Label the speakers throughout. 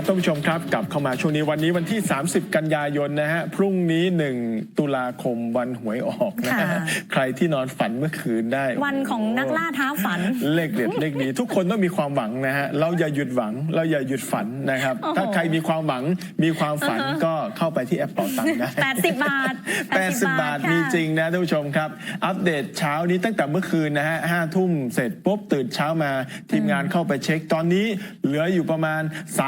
Speaker 1: ครับท่านผู้ชมครับกลับเข้ามาช่วงนี้วันนี้วันที่30กันยายนนะฮะพรุ่งนี้1ตุลาคมวันหวยออกนะฮะใครที่นอนฝันเมื่อคืนได้
Speaker 2: วันของนักล่าท้าฝัน
Speaker 1: เลขเด็ดเลขดีทุกคนต้องมีความหวังนะฮะเราอย่าหยุดหวังเราอย่าหยุดฝันนะครับถ้าใครมีความหวังมีความฝันก็เข้าไปที่แอปเป๋าตังค์ได้
Speaker 2: 80 บาท
Speaker 1: 80 บาทมีจริงนะท่านผู้ชมครับอัปเดตเช้านี้ตั้งแต่เมื่อคืนนะฮะ5 ทุ่มเสร็จปุ๊บตื่นเช้ามาทีมงานเข้าไปเช็คตอนนี้เหลืออยู่ประมาณ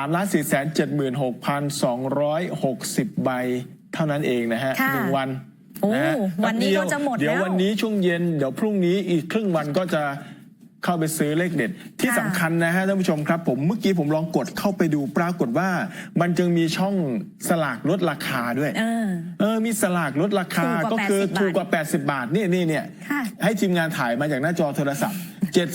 Speaker 1: 3,476,260 ใบเท่านั้นเองนะฮะ1 วัน
Speaker 2: วันนี้ก็จะหมดแล้ว
Speaker 1: เดี๋ยววันนี้ช่วงเย็นเดี๋ยวพรุ่งนี้อีกครึ่งวันก็จะเข้าไปซื้อเลขเด็ดที่สำคัญนะฮะท่านผู้ชมครับผมเมื่อกี้ผมลองกดเข้าไปดูปรากฏว่ามันจึงมีช่องสลากลดราคาด้วยมีสลากลดราคาก็คือถูกกว่า80 บาทนี่ให้ทีมงานถ่ายมาจากหน้าจอโทรศัพท์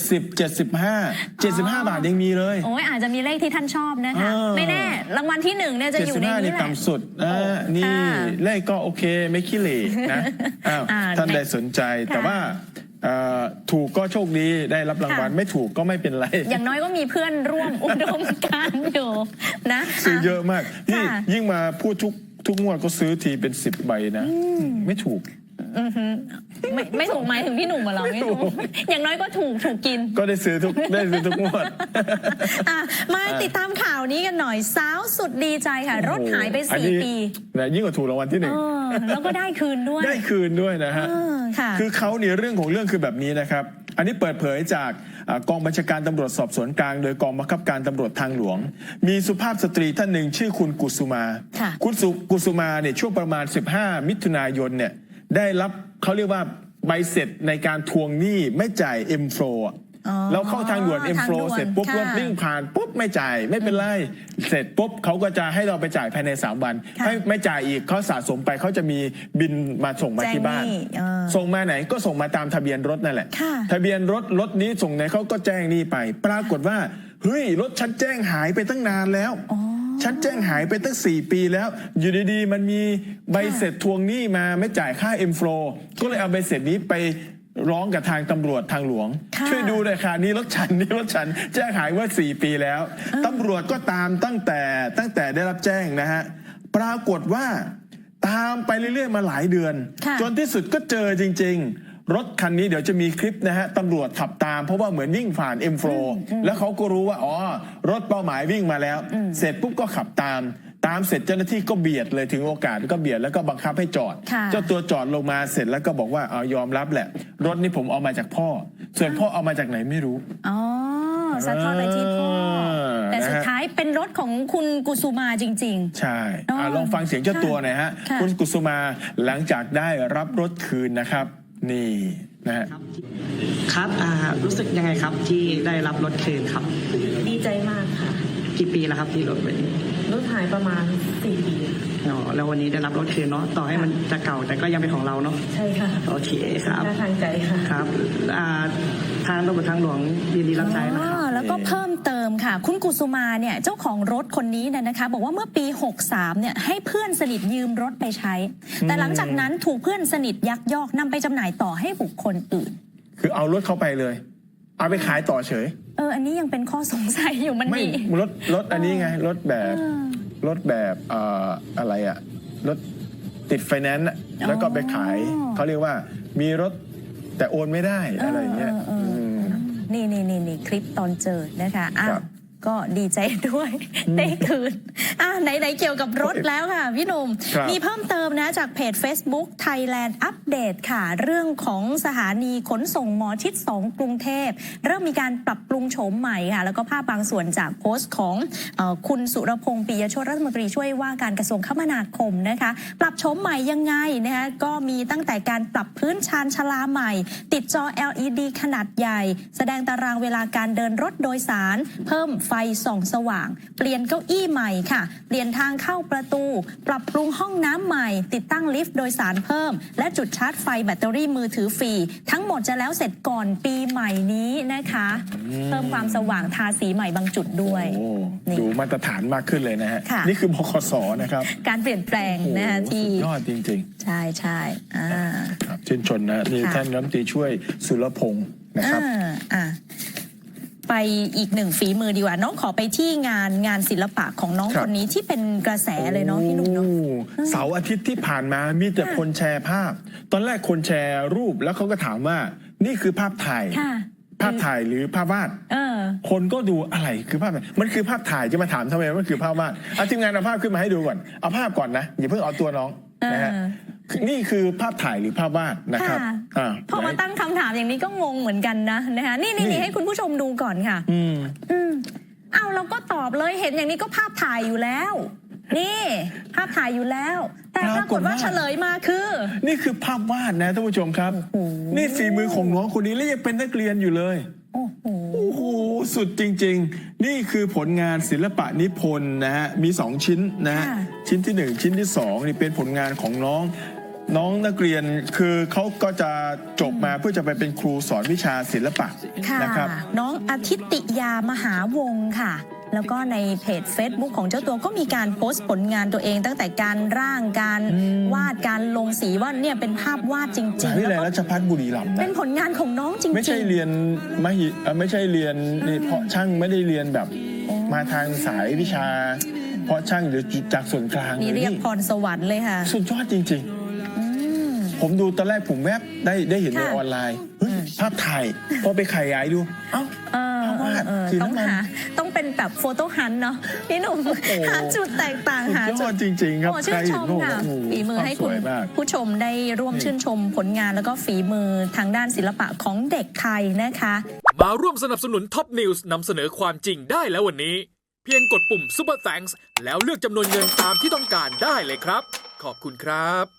Speaker 1: 75 บาทยังมีเลย
Speaker 2: โอ้ยอาจจะมีเลขที่ท่านชอบนะคะไม่แน่รางวัลที่1เนี่ยจะอยู่ในนี้แหละ
Speaker 1: ต่ำสุดนี่เลขก็โอเคไม่ขี้เหร่นะท่านใดสนใจแต่ว่าถูกก็โชคดีได้รับรางวัลไม่ถูกก็ไม่เป็นไร
Speaker 2: อย่างน้อยก็มีเพื่อนร่วมอุดมการณ์อยู่นะ
Speaker 1: ซื้อเยอะมากนี่ยิ่งมาพูดทุกงวดก็ซื้อทีเป็น10 ใบนะไม่ถูก
Speaker 2: ไม่ถูกหมายถึงพี่หนุ่มเหรอไม่ถูกอย่างน้อยก็ถูกกิน
Speaker 1: ก็ได้ซื้อทุกงวด
Speaker 2: มาติดตามข่าวนี้กันหน่อยสาวสุดดีใจค่ะรถหายไป4 ปี
Speaker 1: นะยิ่งกว่าถูกรางวัลที่1
Speaker 2: แล้วก็ได้คืน
Speaker 1: ด้วยนะฮะคือเขาเนี่ยเรื่องของเรื่องคือแบบนี้นะครับอันนี้เปิดเผยจากกองบัญชาการตำรวจสอบสวนกลางโดยกองบังคับการตำรวจทางหลวงมีสุภาพสตรีท่านหนึ่งชื่อคุณกุสุมาคุณกุสุมาเนี่ยช่วงประมาณ15 มิถุนายนเนี่ยได้รับเขาเรียกว่าใบเสร็จในการทวงหนี้ไม่จ่าย M-Flow เราเข้าทางด่วน M-Flow เสร็จปุ๊บรถวิ่งผ่านปุ๊บไม่จ่ายไม่เป็นไรเสร็จปุ๊บเขาก็จะให้เราไปจ่ายภายใน3 วันให้ไม่จ่ายอีกเขาสะสมไปเขาจะมีบินมาส่งมาที่บ้านส่งมาไหนก็ส่งมาตามทะเบียนรถนั่นแหละทะเบียนรถนี้ส่งไหนเขาก็แจ้งนี่ไปปรากฏว่าเฮ้ยรถฉันแจ้งหายไปตั้งนานแล้วฉันแจ้งหายไปตั้ง4 ปีแล้วอยู่ดีๆมันมีใบเสร็จทวงหนี้มาไม่จ่ายค่า M-Flow ก็เลยเอาใบเสร็จนี้ไปร้องกับทางตำรวจทางหลวงช่วยดูหน่อยค่ะนี่รถฉันแจ้งหายว่า4 ปีแล้วตำรวจก็ตามตั้งแต่ได้รับแจ้งนะฮะปรากฏว่าตามไปเรื่อยๆมาหลายเดือนจนที่สุดก็เจอจริงๆรถคันนี้เดี๋ยวจะมีคลิปนะฮะตำรวจขับตามเพราะว่าเหมือนวิ่งผ่าน M-Flow แล้วเขาก็รู้ว่าอ๋อรถเป้าหมายวิ่งมาแล้วเสร็จปุ๊บก็ขับตามเสร็จเจ้าหน้าที่ก็เบียดเลยถึงโอกาสก็เบียดแล้วก็บังคับให้จอดเจ้าตัวจอดลงมาเสร็จแล้วก็บอกว่าเอายอมรับแหละรถนี้ผมเอามาจากพ่อส่วนพ่อเอามาจากไหนไม่รู้
Speaker 2: สะท้อนไปที่พ่อแต่สุดท้ายเป็นรถของคุณกุสุมาจริงๆ
Speaker 1: ใช่ลองฟังเสียงเจ้าตัวหน่อยฮะคุณกุสุมาหลังจากได้รับรถคืนนะครับนี่นะฮะ
Speaker 3: ครับรู้สึกยังไงครับที่ได้รับรถคืนครับ
Speaker 4: ดีใจมากค่ะ
Speaker 3: กี่ปีแล้วครับที่รถไป
Speaker 4: รถหายประมาณ4 ปี
Speaker 3: แล้ววันนี้ได้รับรถคืนเนาะต่อให้มันจะเก่าแต่ก็ยังเป็นของเราเนาะ
Speaker 4: ใช่ค่ะ
Speaker 3: โอเคครับ
Speaker 4: ทางใจค่ะ
Speaker 3: ครับทางตำรวจทางหลวงยินดีรับใช้นะครับ
Speaker 2: แล้วก็เพิ่มเติมค่ะคุณกุสุมาเนี่ยเจ้าของรถคนนี้นะคะบอกว่าเมื่อปี63เนี่ยให้เพื่อนสนิทยืมรถไปใช้แต่หลังจากนั้นถูกเพื่อนสนิทยักยอกนำไปจำหน่ายต่อให้บุคคลอื่น
Speaker 1: คือเอารถเข้าไปเลยเอาไปขายต่อเฉย
Speaker 2: อันนี้ยังเป็นข้อสงสัยอยู่มันมี
Speaker 1: รถอันนี้ไงรถแบบอะไรอะรถติดไฟแนนซ์แล้วก็ไปขายเขาเรียกว่ามีรถแต่โอนไม่ได้อะไรเงี้ย
Speaker 2: นี่คลิปตอนเจอนะคะก็ดีใจด้วยได้คืนไหนเกี่ยวกับรถแล้วค่ะพี่หนุ่มมีเพิ่มเติมนะจากเพจ Facebook Thailand Update ค่ะเรื่องของสถานีขนส่งหมอชิด2กรุงเทพเริ่มมีการปรับปรุงโฉมใหม่ค่ะแล้วก็ภาพบางส่วนจากโพสต์ของคุณสุรพงษ์ปิยโชติรัฐมนตรีช่วยว่าการกระทรวงคมนาคมนะคะปรับโฉมใหม่ยังไงนะคะก็มีตั้งแต่การปรับพื้นชานชลาใหม่ติดจอ LED ขนาดใหญ่แสดงตารางเวลาการเดินรถโดยสารเพิ่มไฟส่องสว่างเปลี่ยนเก้าอี้ใหม่ค่ะเปลี่ยนทางเข้าประตูปรับปรุงห้องน้ำใหม่ติดตั้งลิฟต์โดยสารเพิ่มและจุดชาร์จไฟแบตเตอรี่มือถือฟรีทั้งหมดจะแล้วเสร็จก่อนปีใหม่นี้นะคะเพิ่มความสว่างทาสีใหม่บางจุดด้วย
Speaker 1: ดูมาตรฐานมากขึ้นเลยนะฮะนี่คือบขส.นะครับ
Speaker 2: การเปลี่ยนแปลงนะคะที่
Speaker 1: ยอดจริง
Speaker 2: ๆใช่
Speaker 1: ชื่นชมนะนี่ท่านรัฐมนตรีช่วยสุรพงษ์นะครับ
Speaker 2: ไปอีกหนึ่งฝีมือดีกว่าน้องขอไปที่งานศิลปะของน้องคนนี้ที่เป็นกระแสเลยเนาะพี่หนุ่มเนาะ
Speaker 1: เสาร์อาทิตย์ที่ผ่านมามีแต่คนแชร์ภาพ ตอนแรกคนแชร์รูปแล้วเขาก็ถามว่านี่คือภาพถ่าย ภาพถ่ายหรือภาพวาดคนก็ดูอะไรคือภาพมันคือภาพถ่ายจะมาถามทำไมมันคือภาพวาดทีมงานเอาภาพขึ้นมาให้ดูก่อนเอาภาพก่อนนะอย่าเพิ่งเอาตัวน้องนะฮะนี่คือภาพถ่ายหรือภาพวาดนะครับ
Speaker 2: พอมาตั้งคำถามอย่างนี้ก็งงเหมือนกันนะนะคะนี่ให้คุณผู้ชมดูก่อนค่ะเอาเราก็ตอบเลยเห็นอย่างนี้ก็ภาพถ่ายอยู่แล้วนี่ภาพถ่ายอยู่แล้วแต่ปรากฏว่าเฉลยมาคือ
Speaker 1: นี่คือภาพวาดนะท่านผู้ชมครับนี่ฝีมือของน้องคนนี้แล้วยังเป็นนักเรียนอยู่เลยโอ้โหสุดจริงๆนี่คือผลงานศิลปะนิพนธ์นะฮะมี2ชิ้นนะฮะชิ้นที่1ชิ้นที่2นี่เป็นผลงานของน้องนักเรียนคือเขาก็จะจบมาเพื่อจะไปเป็นครูสอนวิชาศิลปะนะครับ
Speaker 2: น้องอาทิตติยามหาวงศ์ค่ะแล้วก็ในเพจ Facebook ของเจ้าตัวก็มีการโพสต์ผลงานตัวเองตั้งแต่การร่างการวาดการลงสีว่าเนี่ยเป็นภาพวาดจริงๆ
Speaker 1: วิทยาลัยราชภัฏบุรีรัมย์
Speaker 2: เป็นผลงานของน้องจริงๆ
Speaker 1: ไม่ใช่เรียนไม่ใช่เรียนเพาะช่างไม่ได้เรียนแบบมาทางสายวิชาเพาะช่างหรือจากส่วนกลาง
Speaker 2: นี่เรียกพรสวรรค์เลยค่ะ
Speaker 1: สุดยอดจริงๆผมดูตอนแรกผมแวบได้เห็นในออนไลน์ภาพถ่ายพอไปขยายดู
Speaker 2: ต้องเป็นแบบโฟโต้ฮันต์เนาะพี่หนุ่มหาจุดแตกต่างหาจุด
Speaker 1: จริงๆครับ
Speaker 2: ชื่นชมค่ะฝีมือให้คุณผู้ชมได้ร่วมชื่นชมผลงานแล้วก็ฝีมือทางด้านศิลปะของเด็กไทยนะคะ
Speaker 5: มาร่วมสนับสนุนท็อปนิวส์นำเสนอความจริงได้แล้ววันนี้เพียงกดปุ่ม Super Thanks แล้วเลือกจำนวนเงินตามที่ต้องการได้เลยครับขอบคุณครับ